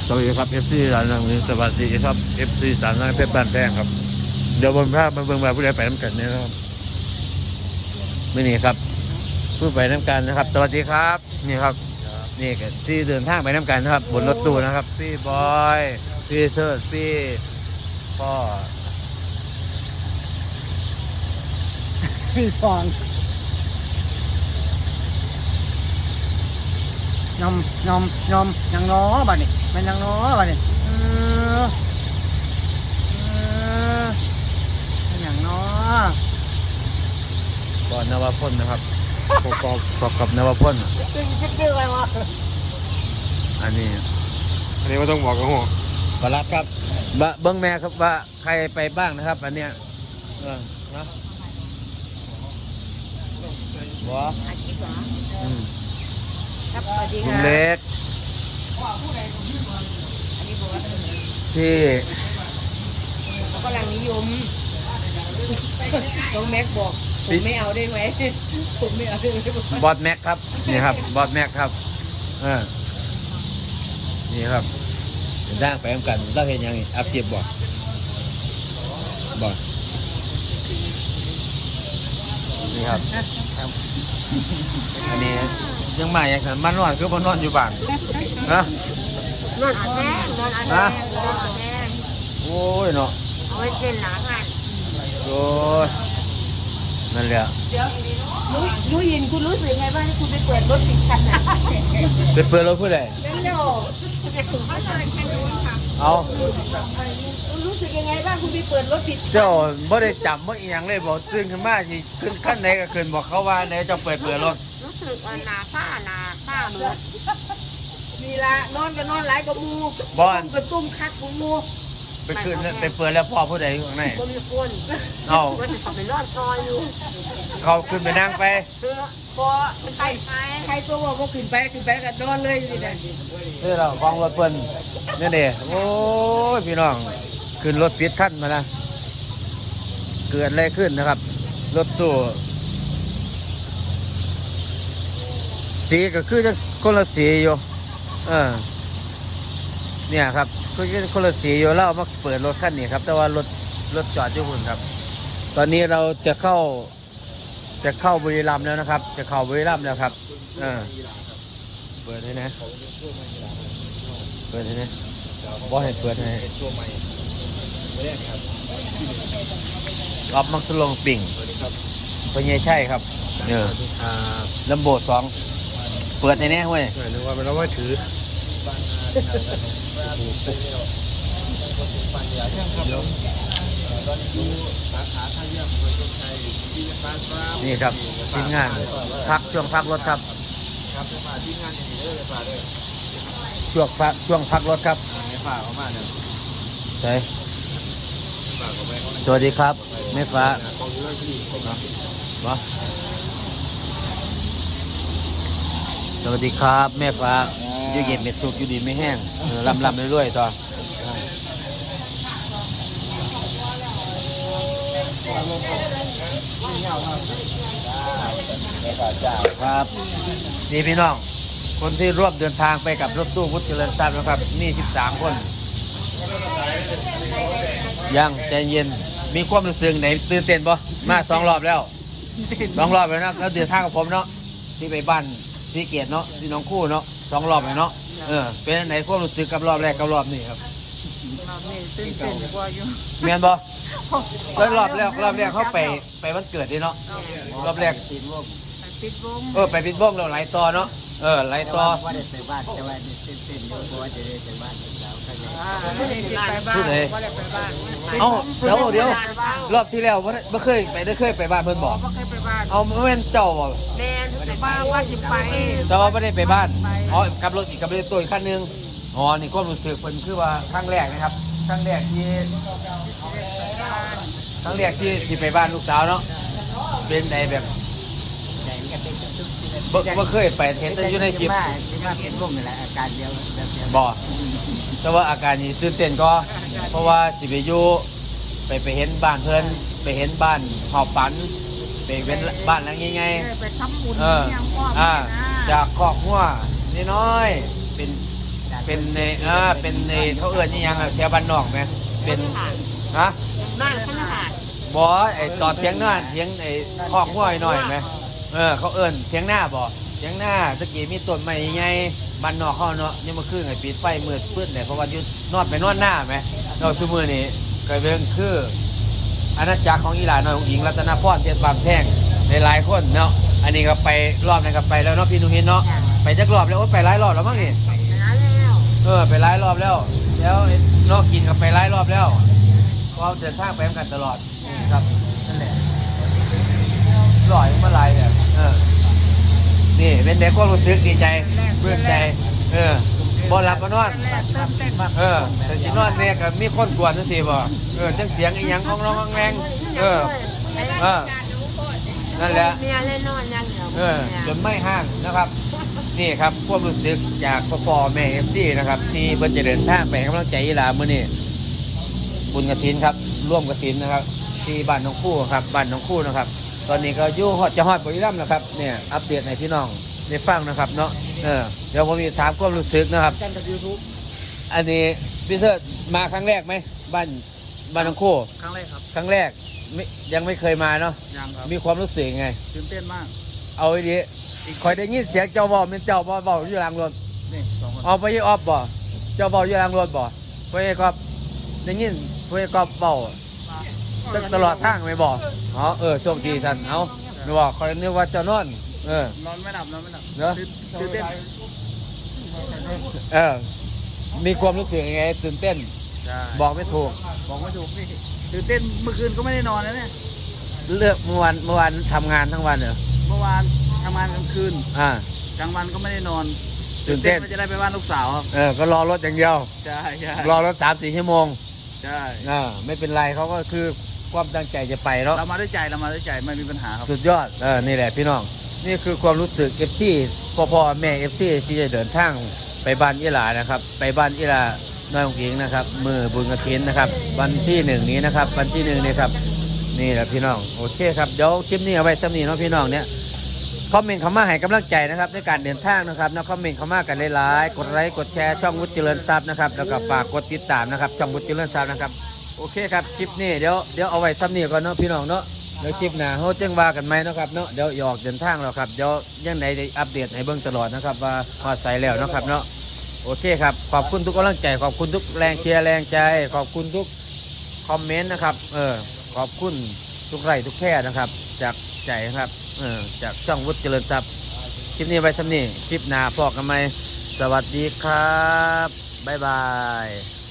สวัสดีครับ FC สารนังสวัสดีครับ FC สารนังเพชรบ้านแพงครับเดี๋ยวบนภาพมาเบิ่งมาผู้ใดไปน้ำกันเนี่ยนะครับไม่นี่ครับผู้ไปน้ำกันนะครับสวัสดีครับนี่ครับนี่ก็ที่เดินทางไปน้ำกันนะครับบนรถตู้นะครับพี่บอยพี่เชิดพี่พ่อพี่สองยอมยังน้อบ้านี่มันยังน้อบ้านี่มันยังน้อก่อนนวพลนะครับประกอบนวพลชื่ออะไรวะอันนี้ไม่ต้องบอกกันหัวปลัดครับเบิ้งแม่ครับว่าใครไปบ้างนะครับ อันเนี้ยนะบัวอาชีพเหรออืมครับสวัสดีลุค่ะงเล็กอันนี้บอกว่าที่เขากำลังนิยมน้องแม็กบอกผมไม่เอาได้ไหมผมไม่เอาได้ไหมบอสแม็กครับนี่ครับบอสแม็กครับนี่ครับด่างไปเหมือนกันเราเห็นยังอัพเก็บบอกนี่ครับอันนี้ยังมาอย่างนั้นมันนอนคือมันนอนอยู่บ้านนะนอนแห้งนอนแห้งนอนแห้งโอ้ยเนาะเอาไว้เส้นหลังอ่ะโอ้ยนั่นแหละเดี๋ยวรู้ยินคุณรู้สึกไงบ้างที่คุณไปเปิดรถปิดคันน่ะไปเปิดรถผู้ใดนั่นเดี๋ยวจะถึงเขาเลยแค่นู้นค่ะเอาคุณรู้สึกยังไงบ้างคุณไปเปิดรถปิดเจ้าไม่ได้จับเมื่ออีหยังเลยบอกตื่นขึ้นมาที่ขึ้นขั้นไหนก็ขึ้นบอกเขาว่าไหนเจ้าเปิดรถรู้สึกหนาผ้าเหมือนมีละนอนก็นอนหลายกับมูบอนกระตุ้มคักกับมูไปขึ้นไปเปิดแล้วพ่อผู้ใดอยู่ข้างในก็มีคนเอาว่าจะขับไปรอดซอยอยู่เขาขึ้นไปนั่งไปพอมันไปใครตัวว่าขึ้นไปกันนอนเลยอยู่นี่นี่เราของรถเพิ่นนี่เด้โอ้ยพี่น้องขึ้นรถปิดขั้นมานะเกิดอะไรขึ้นนะครับ รถตู้สีก็คือจะคนละสีอยู่เนี่ยครับก็คนละสีอยู่แล้วเอามาเปิดรถคันนี้ครับ แต่ว่ารถจอดอยู่หุ่นครับ ตอนนี้เราจะเข้าบุรีรัมย์แล้วนะครับ จะเข้าบุรีรัมย์แล้วครับเปิดให้นะบอกให้เปิดให้รอบมักสลงปิ่งพญใช่ครับลำโบด2เปิดในนี้เว้ยนึกว่าเป็นว่าถือนี่ครับทีมงานช่วงพักรถครับช่วงพักรถครับใช่สวัสดีครับแม่ฟ้าสวัสดีครับแม่ฟ้าอยู่เย็นเม็ดสุกอยู่ดีไม่แห้งลำเรื่อยๆต่อครับนี่พี่น้องคนที่ร่วมเดินทางไปกับรถตู้พุทธเจริญทรัพย์นะครับนี่13 คนยังใจเย็นมีความรู้สึกไหนตื่นเต้นปะมา2 รอบแล้ว2 รอบแล้วนะแล้วเดินทางกับผมเนาะที่ไปบ้านที่เกียรติเนาะที่น้องคู่เนาะ2 รอบเลยเนาะเป็นไหนความรู้สึกกับรอบแรกกับรอบนี้ครับตื่นเต้นกว่าอยู่เมียนบ่แล้วรอบแรกเขาไปวันเกิดดิเนาะรอบแรกปิดวงไปปิดบ้งเราไหลต่อเนาะไหลต่อว่าได้ไปบ้านแต่ว่าเต้นอยู่เพราะว่าจะได้ไปบ้านแล้วก็เลยไม่ได้ไปบ้านพูดเลยไม่ได้ไปบ้านเอ้าเดี๋ยวรอบที่แล้วไม่เคยไปบ้านเพิ่นบอกไม่เคยไปบ้านเอาไม่เป็นเจ้าบ่แม่ไปบ้านว่าสิไปแต่ว่าไม่ได้ไปบ้านอ๋อกับรถตัวอีกคันนึงอ๋อนี่ความรู้สึกเพิ่นคือว่าครั้งแรกนะครับครั้งแรกที่ไปบ้านลูกสาวเนาะเป็นไงแบบบ่เคยไปเห็นแต่อยู่ในคลิปที่ว่าเป็นร่มนี่แหละอาการเดียวแบบเดียวบ่แต่ว่าอาการนี้ตื่นเต้นก็เพราะว่าสิไปอยู่ไปเห็นบ้านเพิ่นไปเห็นบ้านหอบฝันไปเป็นบ้านหลังใหญ่ไปทำบุญๆจากครอบครัวน้อยๆเป็นได้เป็นในเป็นในเขาเอื้อนนี่ยังแถวบ้านนอกไหมเป็นฮะบ้านขนาดบ่ไอ้ตอดเถียงหน้าเถียงไอ้คอกห้วยหน่อยไหมเขาเอื้อนเถียงหน้าบ่เถียงหน้าตะกี้มีต้นไม้ใหญ่บ้านนอกเขาเนาะยังมาคืนไอ้ปิดไฟมืดปื้นเลยเพราะว่าอยู่นอนไปนอนหน้าไหมนอกชั่วโมงนี้ก็เป็นคืออาณาจักรของอีหลาน้อยของหญิงรัตนพรเทียนบางแท่งหลายคนเนาะอันนี้ก็ไปรอบนึงก็ไปแล้วเนาะพี่นุ้ยเนาะไปจักรอบแล้วโอ้ไปหลายรอบแล้วมั้งนี่นั้นแล้วไปหลายรอบแล้วแล้วนอกกินก็ไปหลายรอบแล้วเพราะเดินทางไปกันตลอดครับนั่นแหละลอยมาหลายเนี่ยนี่เป็นเด็กก็รู้สึกดีใจเบื่อใจบ่หลับบ่นอนแต่สินอนเนี่ยก็มีคนกวนจังซี่บ่จังเสียงอีหยังของร้องแรงนั่นแหละเมียเล่นนอนยังเดียวจนไม่ห้างนะครับ นี่ครับความรู้สึกจากพ่อแม่FCนะครับที่เพิ่นจะเดินทางไปให้กำลังใจอีหลามื้อนี้บุญกฐินครับร่วมกฐินนะครับที่บ้านหนองคู่ครับบ้านหนองคู่นะครับ ตอนนี้ก็อยู่จะฮอดบุรีรัมย์แล้วครับเนี่ยอัปเดตให้พี่น้องได้ฟังนะครับเนาะเดี๋ยวผมมีถามความรู้สึกนะครับกันกับ YouTube อันนี้พี่เทิดมาครั้งแรกไหมบ้านหนองคู่ครั้งแรกครับครั้งแรกยังไม่เคยมาเนาะยังครับมีความรู้สึกยังไงตื่นเต้นมากเอาไว้ดีคอยได้ยินเสียงเจ้าบ่เป็นเจ้าบ่อยู่หลังรถนี่สองคนเอาไปยี่ออฟบ่เจ้าบ่อยู่หลังรถบ่ไปก็ได้ยินไปก็เบาตลอดทางไม่บ่โชคดีสันเอาไม่บอกคอยนึกว่าเจ้านอนนอนไม่หลับนอนไม่หลับเนอะตื่นเต้นมีความรู้สึกยังไงตื่นเต้นใช่บอกไม่ถูกบอกไม่ถูกพี่ตื่นเต้นเมื่อคืนก็ไม่ได้นอนนะเนี่ยเลือกเมื่อวานทำงานทั้งวันเหรอเมื่อวานทำงานกลางคืนอ่ากลางวันก็ไม่ได้นอนตื่นเต้นว่าจะได้ไปบ้านลูกสาวครับก็รอรถอย่างเดียวใช่ใช่รอรถ3-4 ชั่วโมงใช่ไม่เป็นไรเขาก็คือความตั้งใจจะไปเนาะเรามาด้วยใจไม่มีปัญหาครับสุดยอดนี่แหละพี่น้องนี่คือความรู้สึกเอฟซีพ่อแม่เอฟซีที่จะเดินทางไปบ้านอีหลานะครับไปบ้านอีหลาน้อยของหญิงนะครับมือบุญกฐินนะครับวันที่1นี้นะครับวันที่1นี้ครับนี่แหละพี่น้องโอเคครับเดี๋ยวคลิปนี้เอาไว้สำนีเนาะพี่น้องเนี่ยคอมเมนต์เข้ามาให้กำลังใจนะครับในการเดินทางนะครับนะคอมเมนต์เข้ามากันหลายๆกดไลค์กดแชร์ช่องวุฒิเจริญทรัพย์นะครับแล้วก็ฝากกดติดตามนะครับช่องวุฒิเจริญทรัพย์นะครับโอเคครับคลิปนี้เดี๋ยวเอาไว้สำนีก่อนเนาะพี่น้องเนาะเดี๋ยวคลิปหน้าเขาแจ้งว่ากันไหมนะครับเนาะเดี๋ยวออกเดินทางแล้วครับเดี๋ยวยังไงได้อัปเดตให้เบิ่งตลอดนะครับว่าพอใส่แล้วนะครับเนาะโอเคครับขอบคุณทุกกำลังใจขอบคุณทุกแรงเชียร์แรงใจขอบคุณทุกคอมเมนต์นะครับขอบคุณทุกไลค์ทุกแค่นะครับจากใจนะครับจากช่องวุฒิเจริญทรัพย์คลิปนี้ไว้สำนีคลิปหน้าพอกันไหมสวัสดีครับบ๊ายบาย